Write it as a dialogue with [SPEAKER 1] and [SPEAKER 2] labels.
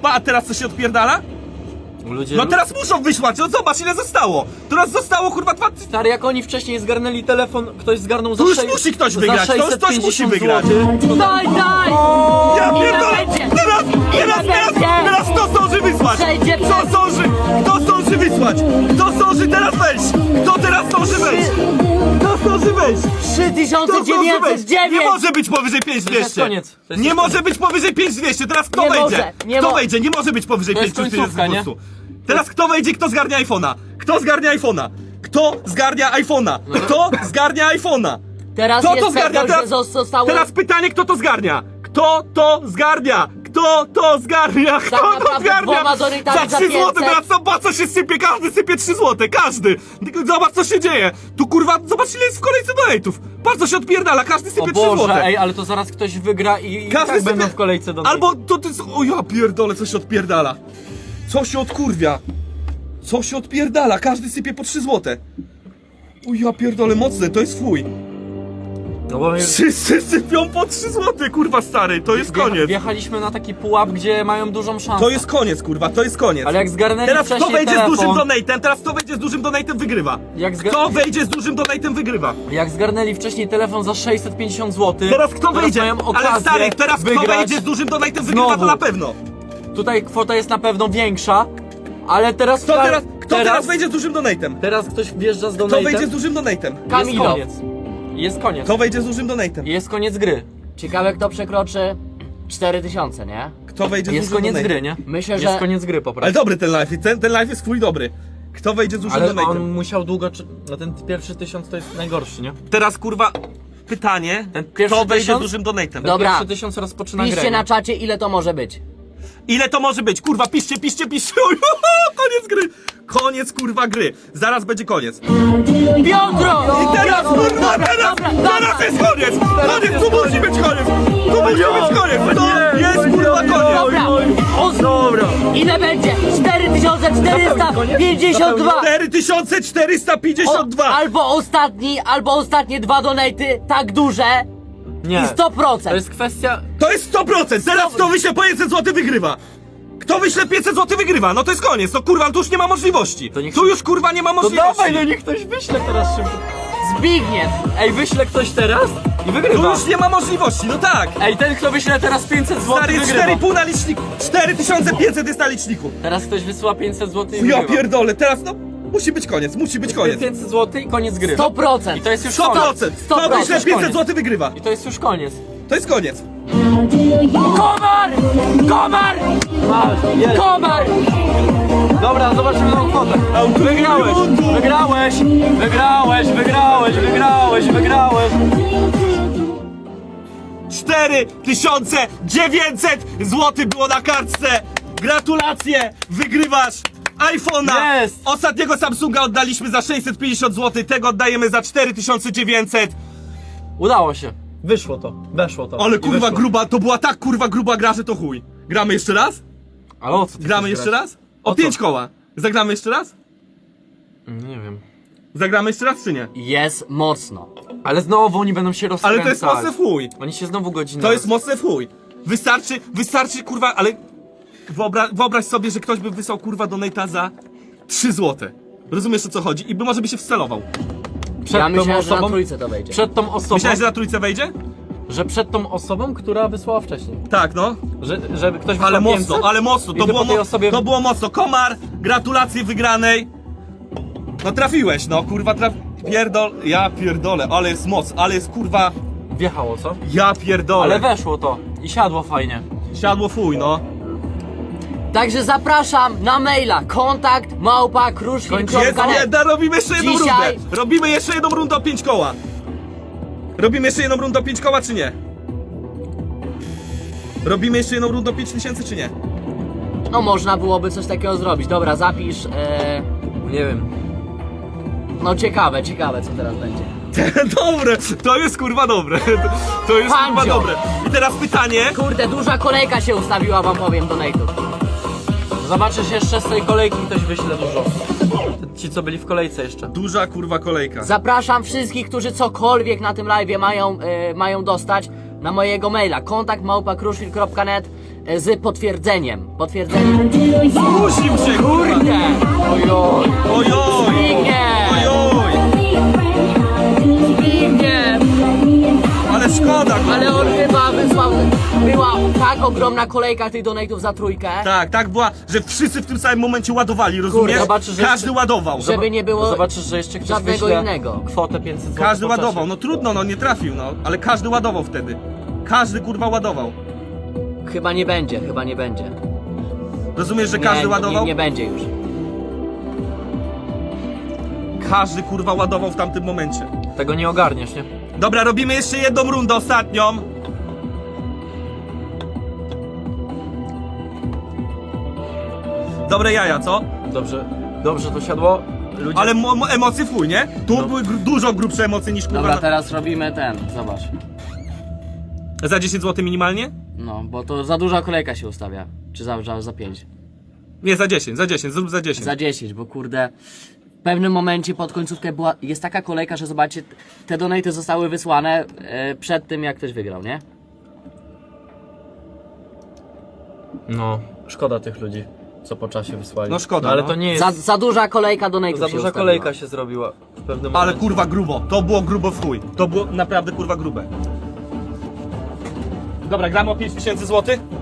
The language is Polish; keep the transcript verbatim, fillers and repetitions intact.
[SPEAKER 1] Pa, a teraz co się odpierdala?
[SPEAKER 2] Ludzie...
[SPEAKER 1] No teraz muszą wysłać, no zobacz ile zostało. Teraz zostało kurwa dwa...
[SPEAKER 2] Stary, jak oni wcześniej zgarnęli telefon, ktoś zgarnął za
[SPEAKER 1] Tu już
[SPEAKER 2] sześć-
[SPEAKER 1] musi ktoś
[SPEAKER 2] za
[SPEAKER 1] wygrać, to już
[SPEAKER 2] sześćset
[SPEAKER 1] ktoś musi
[SPEAKER 2] pięćdziesiąt
[SPEAKER 1] wygrać.
[SPEAKER 2] złotych.
[SPEAKER 3] Daj, daj!
[SPEAKER 1] Ja
[SPEAKER 3] Ile
[SPEAKER 1] pierdolę!
[SPEAKER 3] będzie?
[SPEAKER 1] Teraz, teraz,
[SPEAKER 3] Ile
[SPEAKER 1] teraz,
[SPEAKER 3] będzie?
[SPEAKER 1] teraz kto zdąży wysłać?
[SPEAKER 3] Przejdzie
[SPEAKER 1] Kto
[SPEAKER 3] przez-
[SPEAKER 1] zdąży? Kto zdąży wysłać? Kto zdąży teraz wejść? Kto teraz zdąży wejść? Kto zdąży wejść?
[SPEAKER 3] trzy tysiące
[SPEAKER 1] Kto zdąży
[SPEAKER 3] dziewięćset
[SPEAKER 1] wejść? Nie
[SPEAKER 3] dziewięć!
[SPEAKER 1] może być powyżej pięć tysięcy dwieście.
[SPEAKER 2] To jest koniec. To jest
[SPEAKER 1] Nie
[SPEAKER 2] już
[SPEAKER 1] może
[SPEAKER 2] koniec.
[SPEAKER 1] być powyżej pięć tysięcy dwieście. Teraz kto
[SPEAKER 3] Nie
[SPEAKER 1] wejdzie?
[SPEAKER 3] może, nie
[SPEAKER 1] Kto
[SPEAKER 3] mo-
[SPEAKER 1] wejdzie? Nie może być powyżej
[SPEAKER 2] To
[SPEAKER 1] pięć
[SPEAKER 2] jest
[SPEAKER 1] tysięcy
[SPEAKER 2] końcówka, nie?
[SPEAKER 1] po prostu. Teraz kto wejdzie? Kto zgarnia iPhone'a? Kto zgarnia iPhone'a? Kto zgarnia iPhone'a? Kto zgarnia iPhone'a?
[SPEAKER 3] Teraz
[SPEAKER 1] Kto to
[SPEAKER 3] jest
[SPEAKER 1] zgarnia?
[SPEAKER 3] pewność, że
[SPEAKER 1] Teraz,
[SPEAKER 3] zostało...
[SPEAKER 1] teraz pytanie, kto to zgarnia? Kto to zgarnia? Kto to zgarnia? Kto to
[SPEAKER 3] naprawdę
[SPEAKER 1] zgarnia?
[SPEAKER 3] dwoma donatami
[SPEAKER 1] Za
[SPEAKER 3] za
[SPEAKER 1] trzy złote,
[SPEAKER 3] pięćset.
[SPEAKER 1] teraz zobacz co się sypie, każdy sypie trzy złote, każdy! Tylko zobacz co się dzieje! Tu kurwa, zobacz ile jest w kolejce donate'ów! Patrz co się odpierdala, każdy
[SPEAKER 2] O
[SPEAKER 1] sypie trzy
[SPEAKER 2] Boże,
[SPEAKER 1] złote!
[SPEAKER 2] ej, ale to zaraz ktoś wygra i, i
[SPEAKER 1] Każdy
[SPEAKER 2] tak
[SPEAKER 1] sypie-
[SPEAKER 2] będą w kolejce do
[SPEAKER 1] Albo to ty... O ja pierdolę, co się odpierdala! Co się odkurwia? Co się odpierdala? Każdy sypie po trzy złote! O ja pierdolę, mocne, to jest fuj!
[SPEAKER 2] No bo my
[SPEAKER 1] Wszyscy sypią po trzy złote, kurwa stary, to jest
[SPEAKER 2] wjecha-
[SPEAKER 1] koniec!
[SPEAKER 2] wjechaliśmy na taki pułap, gdzie mają dużą szansę.
[SPEAKER 1] To jest koniec, kurwa, to jest koniec.
[SPEAKER 2] Ale jak zgarnęli
[SPEAKER 1] Teraz kto
[SPEAKER 2] wcześniej
[SPEAKER 1] wejdzie
[SPEAKER 2] telefon,
[SPEAKER 1] z dużym donatem, teraz kto wejdzie z dużym donatem wygrywa.
[SPEAKER 2] Jak zga-
[SPEAKER 1] Kto wejdzie z dużym donatem wygrywa.
[SPEAKER 2] Jak zgarnęli wcześniej telefon za sześćset pięćdziesiąt złotych,
[SPEAKER 1] Teraz kto wejdzie?
[SPEAKER 2] mają okazję
[SPEAKER 1] Ale stary, teraz kto
[SPEAKER 2] wygrać.
[SPEAKER 1] wejdzie z dużym donatem wygrywa, to
[SPEAKER 2] Znowu.
[SPEAKER 1] na pewno.
[SPEAKER 2] Tutaj kwota jest na pewno większa, ale teraz...
[SPEAKER 1] Kto teraz, kto teraz wejdzie z dużym donatem?
[SPEAKER 2] Teraz ktoś wjeżdża z
[SPEAKER 1] Kto
[SPEAKER 2] donatem.
[SPEAKER 1] wejdzie z dużym donatem?
[SPEAKER 2] Jest
[SPEAKER 3] Kamilo.
[SPEAKER 2] koniec. Jest koniec.
[SPEAKER 1] Kto wejdzie z dużym donatem?
[SPEAKER 2] Jest koniec gry.
[SPEAKER 3] Ciekawe kto przekroczy cztery tysiące, nie?
[SPEAKER 1] Kto wejdzie z
[SPEAKER 2] Jest
[SPEAKER 1] dużym
[SPEAKER 2] koniec
[SPEAKER 1] donatem?
[SPEAKER 2] gry, nie?
[SPEAKER 3] Myślę,
[SPEAKER 2] Jest
[SPEAKER 3] że-
[SPEAKER 2] koniec gry po prostu.
[SPEAKER 1] Ale dobry ten live, ten, ten live jest twój dobry. Kto wejdzie z dużym
[SPEAKER 2] Ale
[SPEAKER 1] donatem?
[SPEAKER 2] on musiał długo... czy- No ten pierwszy tysiąc to jest najgorszy, nie?
[SPEAKER 1] Teraz kurwa, pytanie,
[SPEAKER 2] Ten pierwszy
[SPEAKER 1] kto wejdzie z
[SPEAKER 2] tysiąc?
[SPEAKER 1] dużym donatem?
[SPEAKER 3] Do- Dobra.
[SPEAKER 2] Pierwszy tysiąc rozpoczyna grę.
[SPEAKER 3] Piszcie
[SPEAKER 2] nie?
[SPEAKER 3] na czacie ile to może być.
[SPEAKER 1] Ile to może być? Kurwa, piszcie, piszcie, piszcie. Koniec gry. Koniec kurwa gry. Zaraz będzie koniec.
[SPEAKER 3] Piotro!
[SPEAKER 1] I teraz kurwa, teraz, teraz jest koniec! Koniec, tu musi być koniec! Tu musi być koniec! To jest kurwa koniec!
[SPEAKER 3] Dobra! Os-
[SPEAKER 2] Dobra.
[SPEAKER 3] Ile będzie? cztery tysiące czterysta pięćdziesiąt dwa!
[SPEAKER 1] cztery tysiące czterysta pięćdziesiąt dwa!
[SPEAKER 3] Albo ostatni, albo ostatnie dwa donaty tak duże
[SPEAKER 2] Nie.
[SPEAKER 3] i sto procent.
[SPEAKER 2] To jest kwestia...
[SPEAKER 1] To jest sto procent! Teraz kto wyśle po pięćset złotych wygrywa! Kto wyśle pięćset złotych wygrywa? No to jest koniec, to kurwa, tu już nie ma możliwości!
[SPEAKER 2] To niech-
[SPEAKER 1] Tu już kurwa nie ma
[SPEAKER 2] To
[SPEAKER 1] możliwości!
[SPEAKER 2] dawaj, no niech ktoś wyśle teraz szybko.
[SPEAKER 3] Zbigniew!
[SPEAKER 2] Ej, wyśle ktoś teraz i
[SPEAKER 1] Tu
[SPEAKER 2] wygrywa.
[SPEAKER 1] już nie ma możliwości, no tak!
[SPEAKER 2] Ej, ten kto wyśle teraz pięćset
[SPEAKER 1] Stary,
[SPEAKER 2] złotych
[SPEAKER 1] jest
[SPEAKER 2] wygrywa.
[SPEAKER 1] cztery i pół na liczniku! cztery tysiące pięćset jest na liczniku!
[SPEAKER 2] Teraz ktoś wysyła pięćset złotych i
[SPEAKER 1] Ja
[SPEAKER 2] wygrywa.
[SPEAKER 1] pierdolę, teraz no... Musi być koniec, musi być koniec!
[SPEAKER 2] pięćset złotych i koniec gry.
[SPEAKER 3] sto procent.
[SPEAKER 2] I to jest już
[SPEAKER 1] sto
[SPEAKER 2] koniec.
[SPEAKER 1] procent!
[SPEAKER 3] sto
[SPEAKER 1] Kto
[SPEAKER 3] procent.
[SPEAKER 1] wyśle pięćset złotych wygrywa!
[SPEAKER 2] I to jest już koniec.
[SPEAKER 1] To jest koniec!
[SPEAKER 3] Komar! Komar!
[SPEAKER 2] Masz, jest.
[SPEAKER 3] Komar!
[SPEAKER 2] Dobra, zobaczymy tą kwotę. Wygrałeś, wygrałeś, wygrałeś, wygrałeś, wygrałeś, wygrałeś.
[SPEAKER 1] cztery tysiące dziewięćset złotych było na kartce! Gratulacje! Wygrywasz iPhone'a!
[SPEAKER 2] Jest!
[SPEAKER 1] Ostatniego Samsunga oddaliśmy za sześćset pięćdziesiąt złotych, tego oddajemy za cztery tysiące dziewięćset.
[SPEAKER 2] Udało się. Wyszło to, weszło to.
[SPEAKER 1] Ale
[SPEAKER 2] I
[SPEAKER 1] kurwa
[SPEAKER 2] wyszło.
[SPEAKER 1] gruba, to była tak kurwa gruba gra, że to chuj. Gramy jeszcze raz?
[SPEAKER 2] Ale o co ty
[SPEAKER 1] Gramy
[SPEAKER 2] chcesz
[SPEAKER 1] jeszcze
[SPEAKER 2] grać?
[SPEAKER 1] raz? O,
[SPEAKER 2] O co?
[SPEAKER 1] pięć koła. Zagramy jeszcze raz?
[SPEAKER 2] Nie wiem.
[SPEAKER 1] Zagramy jeszcze raz czy nie?
[SPEAKER 3] Jest mocno.
[SPEAKER 2] Ale znowu oni będą się
[SPEAKER 1] Ale
[SPEAKER 2] rozkręcać.
[SPEAKER 1] to jest mocne w chuj.
[SPEAKER 2] Oni się znowu godzinę...
[SPEAKER 1] To jest mocne w chuj. Wystarczy, wystarczy kurwa, ale wyobra wyobraź sobie, że ktoś by wysłał kurwa donata za trzy złote. Rozumiesz o co chodzi? I by może by się wcelował.
[SPEAKER 2] Przed
[SPEAKER 3] Ja
[SPEAKER 2] tą
[SPEAKER 3] myślałem, że na
[SPEAKER 2] osobą,
[SPEAKER 3] trójce to wejdzie.
[SPEAKER 2] przed tą osobą,
[SPEAKER 1] Myślałeś, że na trójce wejdzie?
[SPEAKER 2] że przed tą osobą, która wysłała wcześniej.
[SPEAKER 1] Tak, no.
[SPEAKER 2] Że, żeby ktoś wysłał
[SPEAKER 1] Ale mocno,
[SPEAKER 2] pięćset,
[SPEAKER 1] ale mocno.
[SPEAKER 2] i
[SPEAKER 1] To
[SPEAKER 2] ty
[SPEAKER 1] było,
[SPEAKER 2] po tej
[SPEAKER 1] mo
[SPEAKER 2] osobie...
[SPEAKER 1] to było mocno. Komar, gratulacje wygranej. No trafiłeś, no kurwa traf... Pierdol... Ja pierdolę, ale jest moc, ale jest kurwa...
[SPEAKER 2] Wjechało, co?
[SPEAKER 1] Ja pierdolę.
[SPEAKER 2] Ale weszło to i siadło fajnie.
[SPEAKER 1] Siadło fuj, no.
[SPEAKER 3] Także zapraszam na maila kontakt małpa kruszwil
[SPEAKER 1] Jest
[SPEAKER 3] kropka net.
[SPEAKER 1] jedna, robimy jeszcze jedną
[SPEAKER 3] Dzisiaj-
[SPEAKER 1] rundę. Robimy jeszcze jedną rundę o pięć koła. Robimy jeszcze jedną rundę o pięć koła, czy nie? Robimy jeszcze jedną rundę o pięć tysięcy, czy nie?
[SPEAKER 3] No można byłoby coś takiego zrobić. Dobra, zapisz. E...
[SPEAKER 2] Nie wiem.
[SPEAKER 3] No ciekawe, ciekawe co teraz będzie.
[SPEAKER 1] Dobre, to jest kurwa dobre. To jest kurwa
[SPEAKER 3] Pandzio.
[SPEAKER 1] dobre. I teraz pytanie.
[SPEAKER 3] Kurde, duża kolejka się ustawiła, wam powiem, donate'ów.
[SPEAKER 2] Zobaczysz jeszcze z tej kolejki ktoś wyśle dużo. Ci co byli w kolejce jeszcze.
[SPEAKER 1] Duża kurwa kolejka.
[SPEAKER 3] Zapraszam wszystkich, którzy cokolwiek na tym live'ie mają, e, mają dostać na mojego maila kontakt małpa kruszwil kropka net. e, z potwierdzeniem. Potwierdzeniem.
[SPEAKER 1] Zmusił się, kurwa!
[SPEAKER 3] Kurde! Ojoj!
[SPEAKER 1] Ojoj!
[SPEAKER 3] Zbigniew!
[SPEAKER 1] Ojoj!
[SPEAKER 3] Zbigniew!
[SPEAKER 1] Ale szkoda, kurwa.
[SPEAKER 3] Ale on chyba wysłał... Była tak ogromna kolejka tych donate'ów za trójkę,
[SPEAKER 1] Tak, tak była, że wszyscy w tym samym momencie ładowali, rozumiesz?
[SPEAKER 2] zobaczysz, że
[SPEAKER 1] Każdy
[SPEAKER 2] jeszcze-
[SPEAKER 1] ładował.
[SPEAKER 3] żeby nie było
[SPEAKER 2] Zobaczysz, że jeszcze ktoś
[SPEAKER 3] żadnego
[SPEAKER 2] wyśle
[SPEAKER 3] innego.
[SPEAKER 2] kwotę pięćset złotych.
[SPEAKER 1] Każdy
[SPEAKER 2] po czasie.
[SPEAKER 1] ładował, no trudno, no nie trafił, no. Ale każdy ładował wtedy. Każdy kurwa ładował.
[SPEAKER 3] Chyba nie będzie, chyba nie będzie.
[SPEAKER 1] Rozumiesz, że każdy
[SPEAKER 3] nie,
[SPEAKER 1] ładował?
[SPEAKER 3] Nie, nie będzie już.
[SPEAKER 1] Każdy kurwa ładował w tamtym momencie.
[SPEAKER 2] Tego nie ogarniesz, nie?
[SPEAKER 1] Dobra, robimy jeszcze jedną rundę, ostatnią. Dobre jaja, co?
[SPEAKER 2] Dobrze, dobrze to siadło. Ludzie...
[SPEAKER 1] Ale mo- mo- emocje w chuj, nie? Tu
[SPEAKER 2] No.
[SPEAKER 1] były gr- dużo grubsze emocje niż kurwa.
[SPEAKER 3] Dobra,
[SPEAKER 1] na-
[SPEAKER 3] teraz robimy ten, zobacz.
[SPEAKER 1] Za dziesięć złotych minimalnie?
[SPEAKER 3] No, bo to za duża kolejka się ustawia. Czy za, za, za pięć?
[SPEAKER 1] Nie, za dziesięć, za dziesięć, zrób za dziesięć.
[SPEAKER 3] Za dziesięć, bo kurde... W pewnym momencie pod końcówkę była, jest taka kolejka, że zobaczcie, te donaty zostały wysłane e, przed tym, jak ktoś wygrał, nie?
[SPEAKER 2] No, szkoda tych ludzi, co po czasie wysłali.
[SPEAKER 1] No szkoda,
[SPEAKER 2] ale
[SPEAKER 1] no.
[SPEAKER 2] to nie jest...
[SPEAKER 3] Za, za duża kolejka donate'ów
[SPEAKER 2] Za
[SPEAKER 3] się
[SPEAKER 2] duża
[SPEAKER 3] ustawiła.
[SPEAKER 2] kolejka się zrobiła w pewnym
[SPEAKER 1] Ale
[SPEAKER 2] momencie.
[SPEAKER 1] kurwa grubo, to było grubo w chuj. To było naprawdę kurwa grube. Dobra, gramy o pięć tysięcy złotych?